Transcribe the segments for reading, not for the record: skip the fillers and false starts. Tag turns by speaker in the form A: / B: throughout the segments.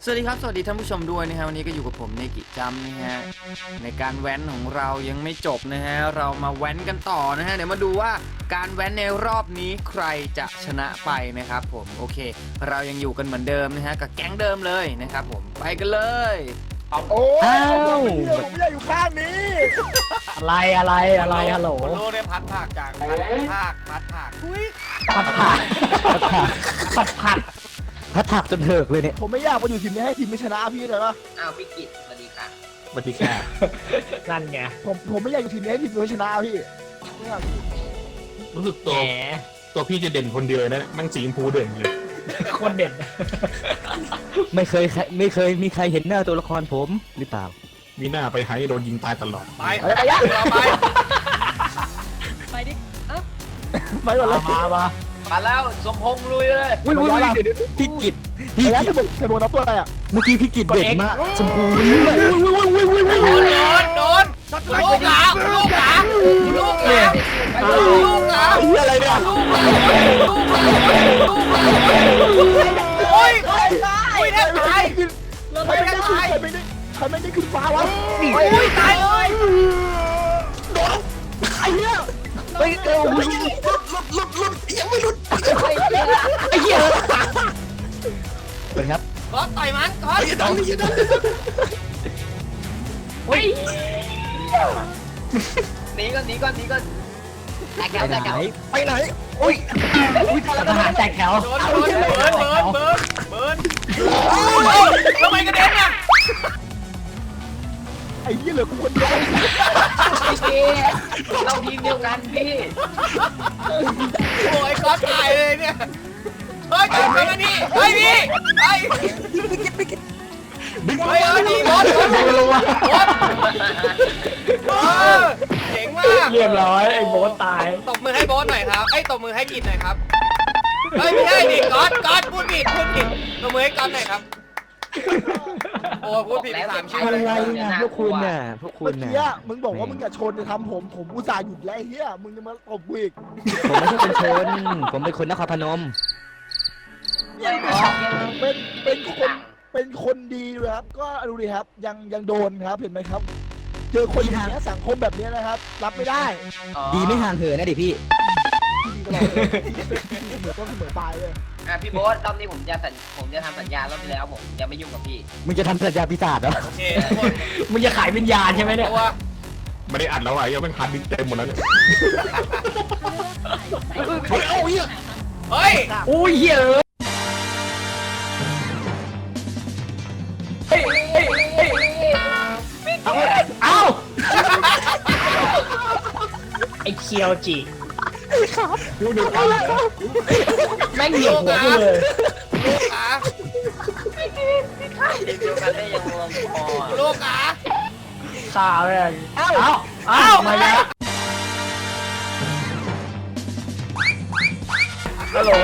A: สวัสดีครับสวัสดีท่านผู้ชมด้วยนะฮะวันนี้ก็อยู่กับผมในกิจจำนะฮะในการแว้นของเรายังไม่จบนะฮะเรามาแว้นกันต่อนะฮะเดี๋ยวมาดูว่าการแว้นในรอบนี้ใครจะชนะไปนะครับผมโอเคเรายังอยู่กันเหมือนเดิมนะฮะกับแก๊งเดิมเลยนะครับผมไปกันเลย
B: โอ้ผมไม่ได้อยู่ข้างนี้
C: อะไรฮัลโหล
A: โลได้พัดผากจากพัดผาก
C: พัดผักจนเถิกเลยเนี่ย
B: ผมไม่อยากมาอยู่ทีมนี้ให้ทีมไม่ชนะพี่เลยปะ
D: อ้าวพี่กิตสวัสดีค่ะ
C: สวัสดีค่ะนั่นไง
B: ผมไม่อยากอยู่ทีมนี้ให้ทีมไม่ชนะพี่
E: รู้สึกตัวพี่จะเด่นคนเดียวนะแม่งสีชมพูเด่นเลย
C: คนเด่นไม่เคยมีใครเห็นหน้าตัวละครผมหรือเปล่า
E: มีหน้าไปไฮโดนยิงตายตลอด
A: ไป
D: ดิเอ้า
B: ไม่หมดแล้ว
D: มาแล้วสมพงษ์ลุยเลย
C: วิ่งพี่กิต
B: ระยะจะโดนนับตัวอะไรอ่ะ
C: เมื่อกี้พี่กิตเด่นมากชมพู
A: โดนลูกหลา
C: อะไรเนี่ย
A: โอ้ยแทบตาย
B: ใครไม่ได้ขึ้นฟ้าวะ
A: โอ้ยตายเลย
B: โดนใครเนี่ย
C: ไปหลุดยังไม่หลุดไอ้เหี้ยเป็นครับ
A: ก๊อตต่อยมันก๊อต
D: หนีก่อนแตกแถว
C: ไปไหนโอ้ยทหารแตกแถว
A: เบิร์นทำไมกระเด็นอ่ะ
B: ไอ้ยี่เหลือกูคนเดียว
D: พี่เราทีมเดียวกันพี่
A: โอ้ยก๊อตตายเลยเนี่ยเฮ้ยกลับมานี่เฮ้ยพี่เฮ้ยนี่บอสเจ๋งมาก
C: เรียบร้อยไอ้โบ๊ทตาย
A: ตบมือให้โบ๊ทหน่อยครับตบมือให้กิจหน่อยครับเฮ้ยไม่ใช่ดิก๊อตพูดผิดตบมือให้ก๊อตหน่อยครับโอ้พูดผิด3 ชื่อ
C: อะไรนะพวกคุณน่ะ
B: เมื่อกี้มึงบอกว่ามึงอย่าชนจะทำผมอุตส่าห์หยุดแล้วไอ้เหี้ยมึงจะมาตบกูอีก
C: ผมไม่ใช่คนชนผมเป็นคนนครพนม
B: เป็นคนดีเลยครับก็ดูดิครับยังโดนครับเห็นไหมครับเจอคนอย่างนี้สังคมแบบนี้นะครับรับไม่ได้
C: ดีไม่ห่างเหินนะดิพี่
B: เหมือนต้นเสมอปลายเลย
D: พี่โบ๊ทรอบนี้ผมจะทำสัญญารอบที่แล้วผมจะไม่ยุ่งกับพี่
C: มึงจะทำสัญญาปีศาจเหรอ
A: โอเค
C: มึงจะขายวิญญาณใช่ไหมเนี่ย
E: ไม่ได้อัดแล้วอ่ะยังเป็นพันดิเต็มหมดแล้วเนี่ย
A: เฮ้ย
C: โอ้ยเฮ้ยเอาไอ้เคียวจี
E: ดูหนึ่งอัน
C: แม่งเหยียบหัวกูเลย
A: ลูกขา
D: ทีมเดียวกันได้ยังงงพอ
A: ลูกขา
C: ข่าวเลยเอามาแล้วฮัลโหล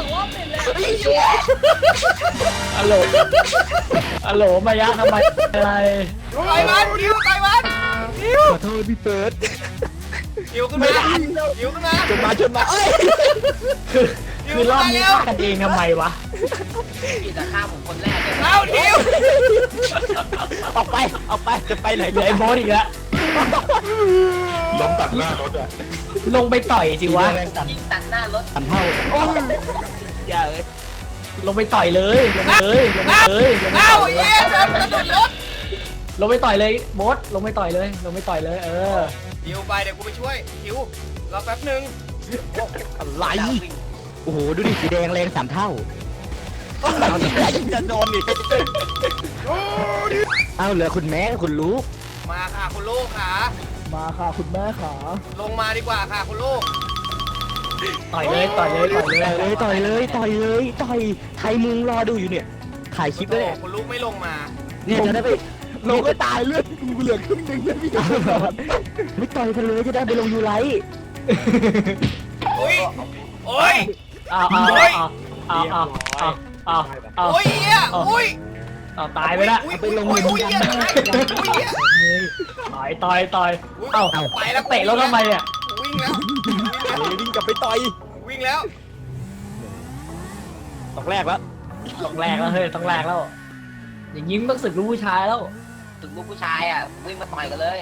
C: มายะทำไมอะไร
A: ต่อยมันคิว
C: ขอโทษพี่เฟิร์ส
A: คิวขึ้นมา
B: ชนมาเอ้ย
C: คือรอบนี้ฆ่ากันเองทำไมวะ
D: พี่จะฆ่าผมคนแรกเลย
A: เอาคิว
C: ออกไปจะไปไหนเหลือไอ้โบ๊ทอีกแล้ว
E: ล้มตัดหน้ารถอ่ะ
C: ลงไปต่อยสิวะ
D: ยิงตัดหน้ารถ
C: ทำเท่าอย่าลงไปต่อยเลย
A: เอาเยี่ยมกระโดดรถ
C: ลงไปต่อยเลยโบ๊ทลงไปต่อยเลย
A: คิวไปเดี๋ยวกูไปช่วยคิวรอแป๊บนึง
C: อะไรโอ้โหดูดิสีแดงแรง3 เท่า
B: จะโดนอีก
C: เอาเหลือคุณแม่คุณลูก
A: มาค่ะคุณลูกขา
B: มาค่ะคุณแม่ขา
A: ลงมาดีกว่าค่ะคุณลูก
C: ต่อยเลยไทยมึงรอดูอยู่เนี่ยถ่ายคลิปด้วย
A: คุณลูกไม่ลงมา
C: เนี่ยจะได้ไป
B: ลงก็ตายเลือดกูเหลือครึ่งนึงเลยพี่
C: ไม่ต่อยกันเลยจะได้ไปลงยูไลท์
A: โอ้ย
C: โอ้ยตายไปละไปลงมือกันต่อยเอ้า
A: ไปแล้ว
C: เตะแล้วทำไมเนี่ย
A: วิ่ง
B: กลับไปต่อย
A: วิ่งแล้ว
C: ต้องแรกแล้วเฮ้ยต้องแรกแล้วอย่างนี้มันต้องศึกลูกผู้ชายแล้ว
D: ถึงลูกผู้ชายอ่ะวิ่งมาต่อยกันเลย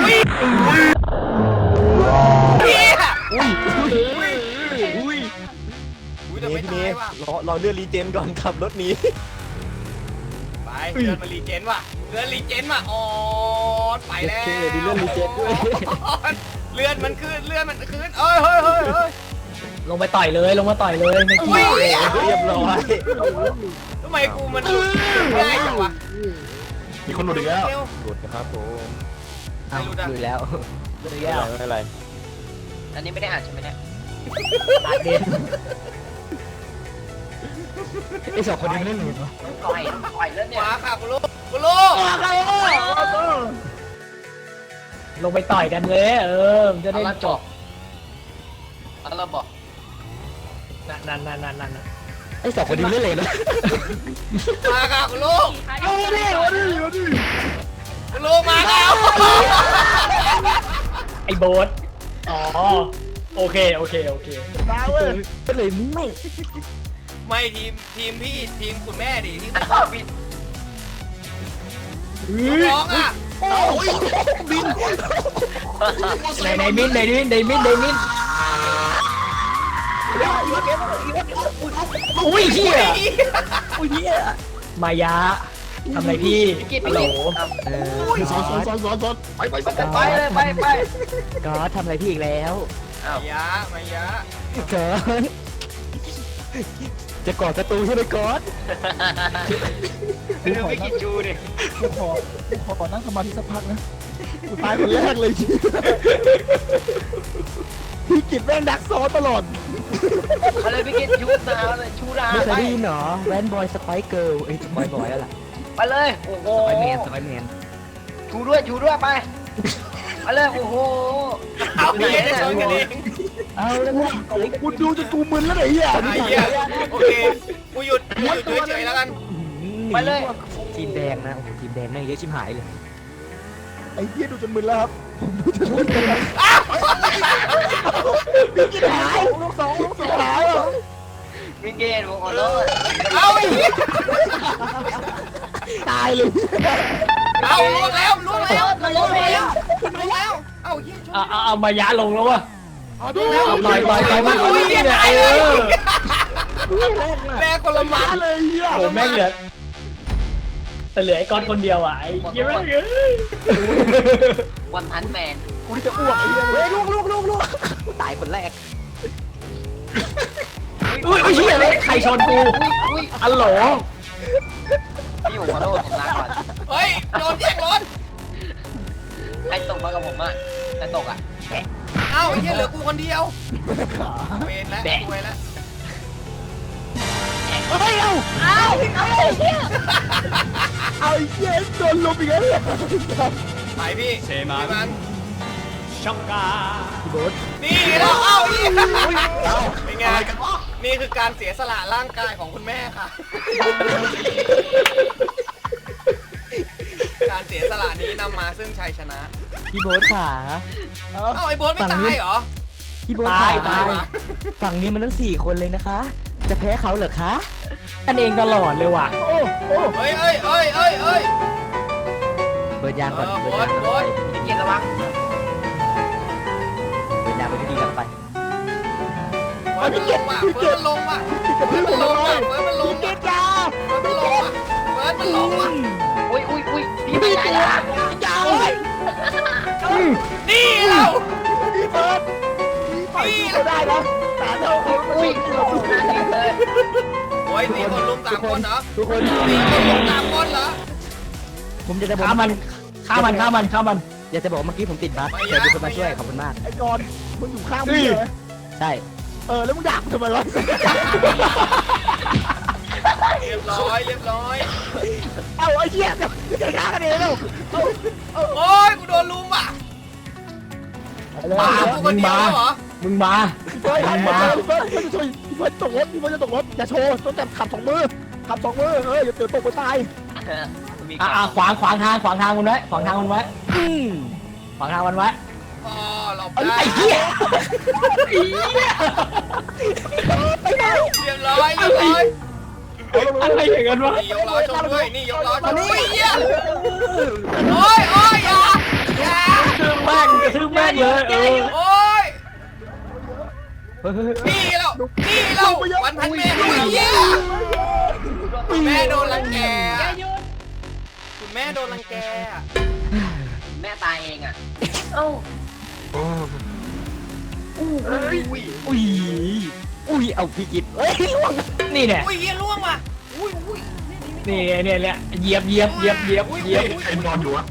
A: อุ้ยแต่ไม่ตายว่ะ
F: เราเลื่อนรีเจนก่อนขับรถหนี้
A: ไปเลื่อนมารีเจนว่ะเลื่อนรีเจนว่ะอ๋อไปแล้ว
F: โอเคดีเลื่อนรีเจนด้วย
A: เลื่อนมันขึ้นเลื่อนมันขึ้นเอ้ยเฮ้ยเฮ้ยเฮ้ย
C: ลงไปต่อยเลยลงมาต่อยเลยไม่กี่
A: อุ้ย
F: เรียบร้อย
A: ทำไมกูมันง่ายจังวะ
E: มีคนหลุดอีกแล้ว
F: หลุดนะครับผม
C: อ้าวดูแล้ว
F: ไม่เป็นไร
D: อันนี้ไม่ได้อ่านใช่ไหมเนี่ย
C: อาเด่นไอ้สองคนนี้ไม่เล่นหรือวะ
D: ต่อยแล้วเนี่ย
A: มาค่ะคุณลูกคุณลูก
C: ลงไปต่อยกันเลยมันจะได้จบ
D: เอาเราบอก
C: นั่น
F: ไอ้สองคนนี้ไม่เล่นเลยนะ
A: มาค่ะคุณลูก
B: เอาดิเอาดิเอาดิ
A: คุณลูกมาแล้ว
C: ไอ้โบ๊ทอ๋อโอเค
B: มาเว้ย
C: ก็เลยไม่
A: ไม่ทีมพี่ทีมคุณแม่ดิที่
D: อ้าวบิน
A: ร้องอ่ะ
C: ในมินอุ้ยเฮียมายาทำไรพี่ฮัลโหล
E: ซ้อนไป
D: ไปเลยไป
C: ก็ทำอะไรพี่อีกแล้ว
A: มายะ
C: เกินจะกอดประตูใช่ไหมกอด
D: ดูไม่กินจูดิ
B: ขอนั่งสมาธิสักพักนะกูตายคนแรกเลยพี่กิจแม่งดักซ้อนตลอด
D: เอาเลยพี่กินชูนาเลยชูนา
C: ไม่เค
D: ไป
C: ยได้ยินเหรอแวนบอยสไปเกิร์ลสไปบอยแล้วล่ะ
D: ไปเลยโอ้โห
C: สไปแมน
D: ชูด้วยไปไปเลยโอ้โห
A: เอาพี่จะชนกันเอง
C: เอาแล้วมึง
B: กูดูจนกูมึนแล้วไหนเหี้ย
A: ไอ้เหี้ยโอเคกูหยุดเฉยๆแล้วกัน
D: ไปเลย
C: ทีมแดงนะโอ้โหทีมแดงแม่งเยอะชิบหายเลย
B: ไอ้เหี้ยดูจนมึนแล้วครับผมดูจนมึนแล้วพี่กิจหายลูกสองหายอ่ะ
D: พี่กินผมขอโทษ
A: เอาไอ้เหี้ย
B: ตายเลย
A: เอาล่วงแล้วเอาเหี้ยชน
C: เอามายาลงแล้ววะ
B: เอาดู
C: ต่อยมัน
A: อุ้ย
C: เนี่ย
A: ตายเลย
B: แรก
A: แม่คนละหมา
B: เลยเหี้ย
C: โอ้แม่งเหลือแต่เหลือไอ้ก้อนคนเดียวอ่ะไอ้เหี้ยแม่ง
D: วันทันแมน
B: กูจะอ้วกไอ้เหี้ยเฮ้ยลูก
C: ตายคนแรกอุ้ยเหี้ยเลยใครชนกู
D: อุ้ย
C: อัลโหล
D: พี่ผมขอโทษผมลาก่อน
A: เฮ้ยโดนแย่งรถ
D: ใครตกมากับผมอ่ะใครตกอ่ะ
A: เอ้าไอ้เหี้ยเหลือกูคนเดียวเวรแล้วซวยแล้ว
B: เอาไอ้เหี้ยโดนลมอีกแล้วเนี่ย
A: ไปพี่มัน
C: ช็อกกา
A: นี่แล้วเอ้าอีกเป็นไงนี่คือการเสียสละร่างกายของคุณแม่ค่ะ การเสียสละนี้นำมาซึ่งชัยชนะ
C: พี่โบ๊ทขา
A: เอ้าไอ้โบ๊ทไม่ตายเหรอ
C: พี่โบ๊ทขาฝั่งนี้มันทั้ง4 คนเลยนะคะ จะแพ้เขาเหรอคะกันเองตลอดเลยว่ะ
A: เฮ้ย
C: เปิดยางก่อน
A: โบ๊ท
D: พี่กินระวัง
C: เปิดยางไปดีๆกันไป
A: เฟิร์สมันลงว่ะเฟิร์สมันลงว่ะเฟิร์สมันลง
B: เก
A: ว่ะ
B: จ้า
A: เฟิร์สมันลงว่ะเฟิร์สมันลงว่ะ
D: อุ้ยพี่ไม่ได้ละ
B: จ้าเว้ย
A: นี่เรา
B: พี่เฟิร์สพี่เขาได้นะแต่เท่าเขา
D: อุ้ยโอ้โหเลย
A: โอ้ย4 คนลุม3 คนเหรอ
C: ทุกคน
A: 4 คนลุม3 คนเหรอ
C: ผมจะบอกฆ่ามันอยากจะบอกเมื่อกี้ผมติดบั๊กแต่มีคนมาช่วยขอบคุณมาก
B: ไอ้กอนมึงอยู่ข้างพี่เลย
C: ใช่
B: แล้วมึงด่ากูทำไมวะ
A: เรียบร้อย
B: เอาไอ้เหี้ยจะฆ่ากันเองแล้ว
A: โอ้ยกูโดนลุมว่ะมากูคนเดียวเหรอ
C: มึงมา
B: พี่เฟิร์สตกรถพี่เฟิร์สจะตกรถอย่าโชว์ต้องแต่ขับ2 มือขับ2 มืออย่าเตือนตกไปตาย
D: มีก่อน
C: ขวางทางมันไว้ขวางทางมันไว้
A: อ๋อหลบ
C: ไอ้
A: ได้
C: เหี้ย
A: เรียบร้อย
C: อะไรอย่างนั้นวะ
A: นี่ยกล้อชนด้วยนี่ยกล้อชนด้วยโอ้ยโอ้ยอย่า
F: ทึ่งแม่งเลย
A: โอ้ยนี่เราวันพันแม่ด้วยเหี้ยคุณแม่โดนรังแกคุณแม่โดนรังแก
D: แม่ตายเองอ่ะ
E: โอ้
C: อุ้ยเอาพี่กิตเฮ้ย
F: นี่เนี่ย
A: อุ้ยเหี้ยล่วงว่ะอุ้ย
F: นี่เนี่ยเหยียบ
E: ใครนอนอยู่วะ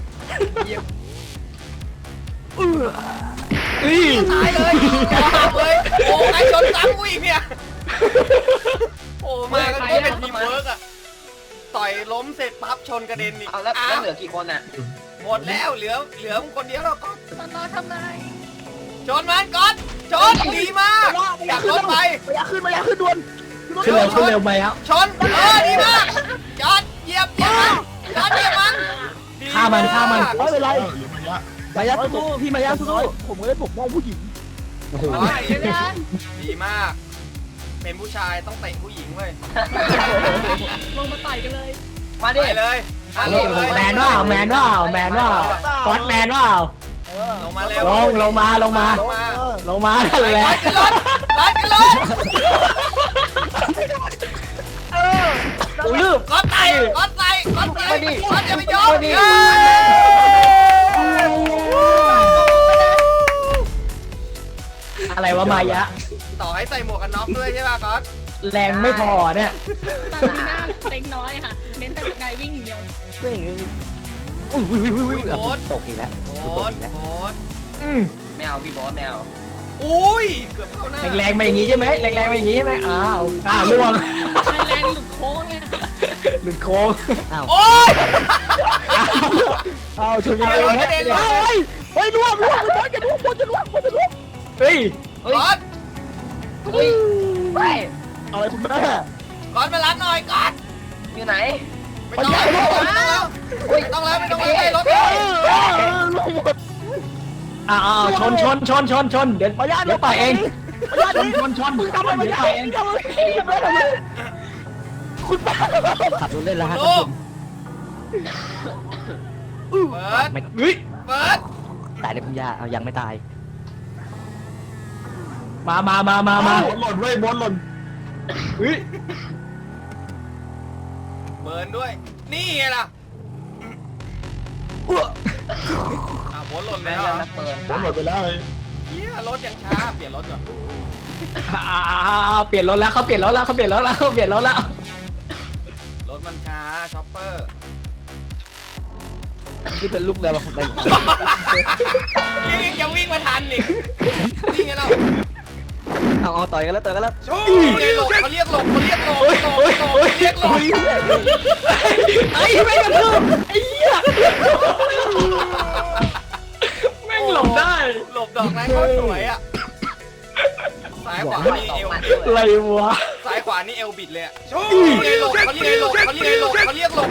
A: ตายเลยเลยโอ้ใครชนซ้ำกูอีกเนี่ยโอ้มาก็เป็นทีมเวิร์กอะต่อยล้มเสร็จปั๊บชนกระเด็นอีก
D: เอาแล้วเหลือกี่คนอ่ะ
A: หมดแล้วเหลือมึงคนเดียวแล้วก็ต่อทำไงชนมันก่อนชนดีมากอยากรถไป
B: ระยะขึ้นด่วน
F: ขึ้นเร็วไปแล้ว
A: ชนดีมากจอดเหยียบมันจอดเหยียบมัน
F: ฆ่ามัน
B: ไม่เป็นไร
E: หรือมันละ
C: มายาสู้พี่มายาสู้
B: ผมก็ได้ปกป้องผู้หญิง
A: ดีมาก เป็นผู้ชายต้องเตะผู้หญิงเว้ย
D: มา
A: ไป
D: ดิ
A: เลยลงเลย
F: แมนว่าก๊อตแมนว่า
A: ลงมาเร็ว
F: ลงมานั่นแหละ
A: ร้านกันรถ
F: ลืบ
A: ก้อนไตอย่าไปยอม
F: อะไรวะมายะ
A: ต่อให้ใส่หมวกกันน็อกด้วยใช่ป่ะก๊อต
F: แรงไม่พอเนี่ย
G: ตาลีน่าเล็กน้อยค่ะ เน้นแต่ไกลวิ่งอย่างเดียว
C: เฮ้ยตกอีกแล้ว
A: โคตร
D: ไม่เอาพี่บอสไม่เอา
A: อุ้ยเกือบเข้าหน้า
F: แรงมาอย่างนี้ใช่ไหมอ้าวล่วง
G: แรงหลุดโค้งเนี่ย
F: หลุดโค้ง
A: โอ้ย
B: เอาชนกันเลยเฮ้ยล่วงจะล่วง
F: เฮ้ย
A: ก๊อต
B: อะไรคุณแม่
A: ก๊อตมารับหน่อยก๊อต
D: อยู่ไหน
A: ไม่ต้องแล้วไม่ต้องแล้วให้รถ
B: ล่วงหมด
F: ชนเดี๋ยว
B: มายา
F: เดี๋ยวไปเองชน
B: ทำอะไรไม่ได้คุณป้า
C: ขับรถเล่นแล้วฮะ
A: ลูกเปิด
F: เฮ้ย
A: เปิด
C: ตายเลยคุณย่าเอายังไม่ตาย
F: มา
E: บอลหล่นเว้ยบอลหล่น
F: เฮ้ย
A: เบิร์นด้วยนี่ไงล่ะบอลหล่น
D: แม่
A: แล้ว
D: ยังนักเปิด
E: บอลหล่นไปแล้วเลย
A: เฮียรถยังช้าเปลี่ยนรถก่อน
F: เปลี่ยนรถแล้วเขาเปลี่ยนรถแล้ว
A: รถมันช้าช็อปเปอร์
C: ที่เป็นลูกเรือมาคนเดียว
A: ยังวิ่งมาทันอีกนี่ไงเรา
C: เอาต่อยกันแล้ว
A: ชูหลบเขาเรียกหลบเรียกหลบ
F: ไอ้ไม่กระทืบไอ้เหี้ยแม่งหลบได้
A: หลบดอกนั้นก็สวยอ่ะซ้ายขวานี่เอว
F: อะไรวะ
A: ซ้ายขวานี่เอวบิดเลยชูหลบเขาเรียกหลบเขาเรียกหลบ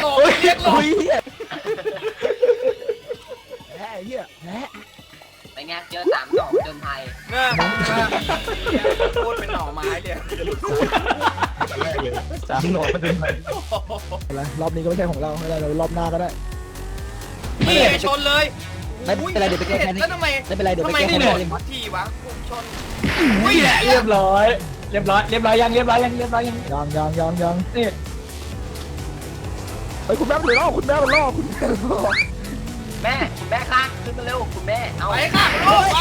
B: แพ้เหี้ยแพ้
D: ไปไงเจอ3 ดอกจนไทย
A: เนี่ยพูดเป็นหน่อไม้เลย
E: แต่แรกเลย
C: 3 โหนดมันเป็นไง
B: รอบนี้ก็ไม่ใช่ของเราไม่ได้เรารอบหน้าก็ได้
A: นี่ชนเลย
C: ไม่เป็นไรเดี๋ยวไปแก้แค้น
A: แล้วทำไม
C: ไม่เป็นไรเดี๋ยวไป
A: ทำไม
C: แก้
A: ไม่
C: แค้น
A: โด
C: ให้
A: นทีวะชน
F: นี่แหละเรียบร้อยยัง
B: ยังเฮ้ยคุณแม่มันล่อคุณแม่มันล่อ
D: แม่คุณแม่ค่ะขึ้นมาเร็วคุณแม่เอา
A: ไปค่ะลูกไป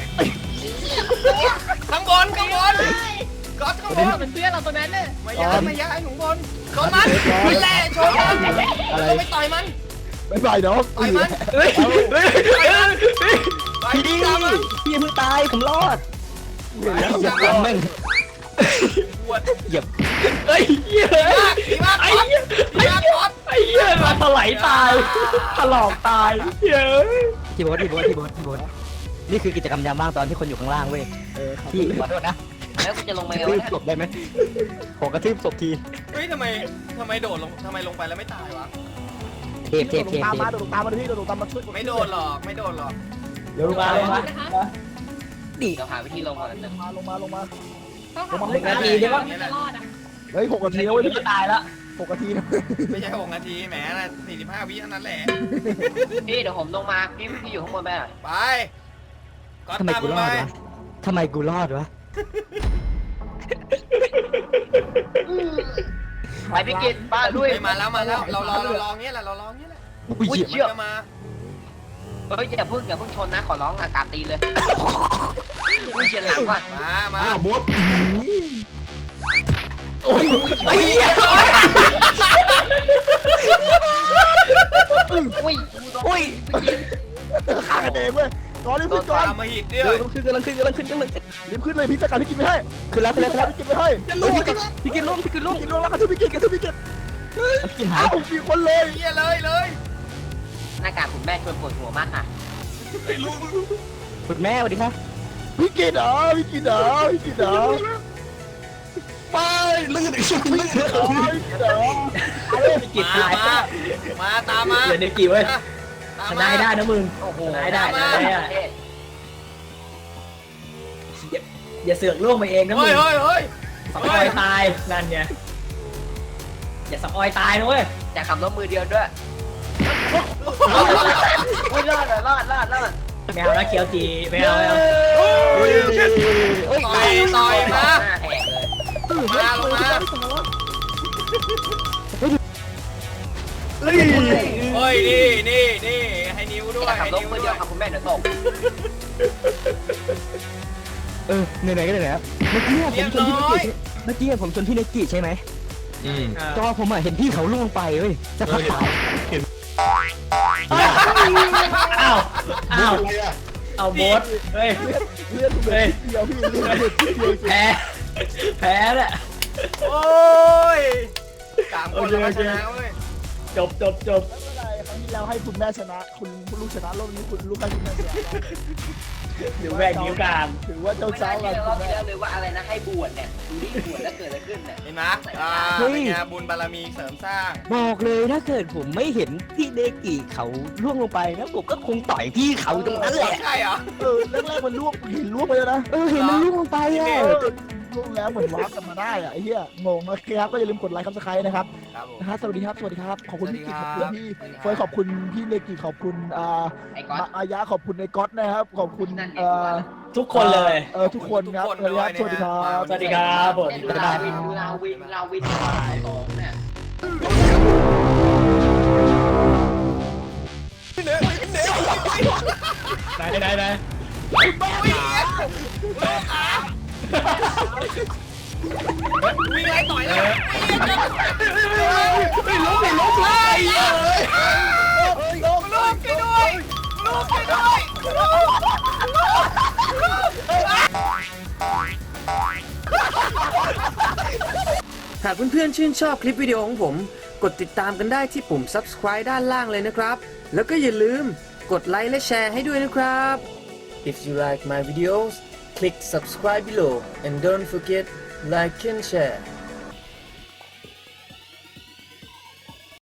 A: ข้างบนก๊อตข้างบน
G: เป็นเพื่อนเราตัวนั้นเนี่ย
A: ไม่ย้ายหนูบนชนมันไม่แล่ชนมันแล้วก็ไปต่อยมัน
B: ไม่ไปเนาะ
A: ต่อยมัน
F: เฮ้ย
A: ต่อย
C: พี่
A: จับมัน
C: พี่เพิ่งตายผมรอดเหยียบแม่ง
A: ปวด
C: เหยียบ
F: เฮ้ยเหี้ย
A: ดีมากก๊อตดีมากก๊อต
F: ไอ้เหี้ยมาถลายตายถลอกตายเฮ้ย
C: ที่บอสนี่คือกิจกรรมยามว่างตอนที่คนอยู่ข้างล่างเว้ยพี่ขอโทษนะ
D: แล้วกูจะลง
C: ก
D: มา
C: ระ
D: ไง
C: ทื
D: วะ
C: บ
D: เนี่ย
C: ศพได้ไหมขอกระทืบศพที
A: เฮ้ยทำไมโดดลงทำไมลงไปแล้วไม่ตายวะ
C: เทป
B: ตามมาดูตามมาพี่ดูตามมาช่วย
A: ไม่โดนหรอก
F: เดี๋ยวมา
G: นะคะ
C: ดิ
D: เดี๋ยวหาวิธีลงก่อนนะ
B: ลงมา
G: ต้องทำให้ได้จะรอดอ่ะ
B: เฮ้ย6 นาทีแล้ว
F: เว้
B: เว้
F: ย
B: ย
F: จะตายแล้ว
B: 6 นาทีนะ
A: ไม่ใช่6 นาทีแหมนะ45 วิเท่านั้นแหละ
D: พี่เดี๋ยวผมลงมาพี่อยู่ข้างบนไปอ่ะ
A: ไปก็
C: ทำไม
A: ตาม
C: กูร
A: ไป
C: อดวะทำไมกูรอดวะ
D: ไปพี่กิตป้าด้วย
A: มาแล้วเรารอเงี้ยแหละเรารอเงี้ยแหละ
D: อุ้ย
A: มัน
D: เชี่ย
A: จะมา
D: เฮ้ยอย่าเพิ่งชนนะขอร้องอากาศตีเลยอุ้ยเฉียดหลังว่ะ
A: มา
E: อ้าวมด
C: ไอ้เหี้ย
D: อุ้ย
C: อุ้ย
B: ฆ่ากันเองเว้ยก่อนรีบขึ้นก่อน
A: ตามมาหิดด้วย
C: กำลังขึ้น
B: รีบขึ้นเลยพี่จัดการพี่กินไม่ให้
C: ขึ้นแล้ว
B: พี่กินไม่ให้
C: พี่กินลง
B: พี่กินลงแล้วกระทืบพี่กิน
C: พี่กินหา
B: อ้าย วมีคนเลย
A: เฮียเลย
D: หน้ากากคุณแม่ชวนปวดหัวมากค่ะ
C: คุณแม่สวัสดีครับ
B: พี่กินเหรอพี่กินเหรอพี่กินเหรอ
E: ไปลื่นอีกชุดลื่น
B: พี่กินเหรอพี่กินเหรอ
A: มาตามมา
F: เดี๋ยวเด็กกี่เว้ย
A: ตาม
F: ช
A: มา
F: นะให้ได้นะมึง
D: โอ้โห
F: ชนะให้ได้ชนะให้ได้
D: เท่
F: อย่าเสือกล่วงไปเองนะมึ
A: เฮ้
F: ง
A: ย
F: สับออยตายนั่นไงอย่าสับออยตายนะเว้ย
D: อย่าขับรถมือเดียวด้วยอุ้ยรอด
F: ไม่เอานะเคียวจีไม่เอาไม่เอา
A: ต่อยมา
D: หน้าแหกเลย
A: มาลงมาเฮ้ยนี่ให้นิ้วด้วย
D: อย่าขับ
A: ให้
D: รถ
A: นิ้ว
D: มือ
A: ด้
D: เดี
A: วย
D: วย ครับคุณแม่เดี๋ยวตก
C: ไหนๆก็ไหนๆครับเมื่อกี้ผมชนพี่เนกิใช่ไหม
E: อืม
C: จอผมเห็นพี่เขาล่วงไปเว้ยจะพักตาย
F: อ้าว
E: อ้า
F: อ้าว ว
E: อะไรอ่ะ
F: เอาโบสเฮ้ย
B: เลือดเดียวพี่เลือดเดียว
F: แพ้เนี่ย
A: โอ้ย3 คนแล้วชนะเว้ย
F: จบ
B: ไม่เป็นไรครั้งที่แล้วให้คุณแม่ชนะ คุณลูกชนะรอบนี้คุณลูกให้คุณแม่ชนะ
F: เดี๋ยวแบ่งนิ้วกลาง
B: ถือว่าเจ้า
D: ไม่
B: เจ้า
D: ได้
B: กั
D: ที่
B: น
D: เรา
B: คุณแม่
D: เลยว่าอะไรนะให้บวชเนี่ยดูดิบวชแล้วเกิดอะไรขึ้นเนี่ย
A: เห็นไหมเป็นไงบุญบารมีเสริมสร้าง
C: บอกเลยถ้าเกิดผมไม่เห็นพี่เนกิเขาล่วงลงไปนะผมก็คงต่อยพี่เขาตรงนั้นแหละ
A: ใช่เหรอ
B: แรกๆมันลวกเห็นลวกไปแล้วนะ
C: เห็นมันล่วงลงไปอ่ะ
B: ลวกแล้วเหมือนวาร์ปกลับมาได้อะไอ้เหี้ยงงโอเคครับก็อย่าลืมกดไลค์ครับสไครต์นะครับ
A: ครับผม
B: นะฮะสวัสดีครับขอบคุณพี่กิตขอบคุณพี่
A: สวัสดีครับ
B: เฟยขอบคุณพี่เนกิขอบคุณ
D: ไอ้ก๊อต
B: อายะขอบคุณในก๊อตนะครับขอบคุณ
D: นั่นไง
F: ทุกคนเลย
B: ทุกคนครับสวัสดีครับ
F: สวัสดีครับผม
D: เนี่ยดูลาวินสองเนี่ย
F: ไหน
A: มีอะไรต่อยแล้ว
B: ลงเลย
A: ลูกไปด้วยหากเพื่อนๆชื่นชอบคลิปวิดีโอของผม กดติดตามกันได้ที่ปุ่ม subscribe ด้านล่างเลยนะครับ แล้วก็อย่าลืมกดไลค์และแชร์ให้ด้วยนะครับ If you like my videos click subscribe below and don't forget like and share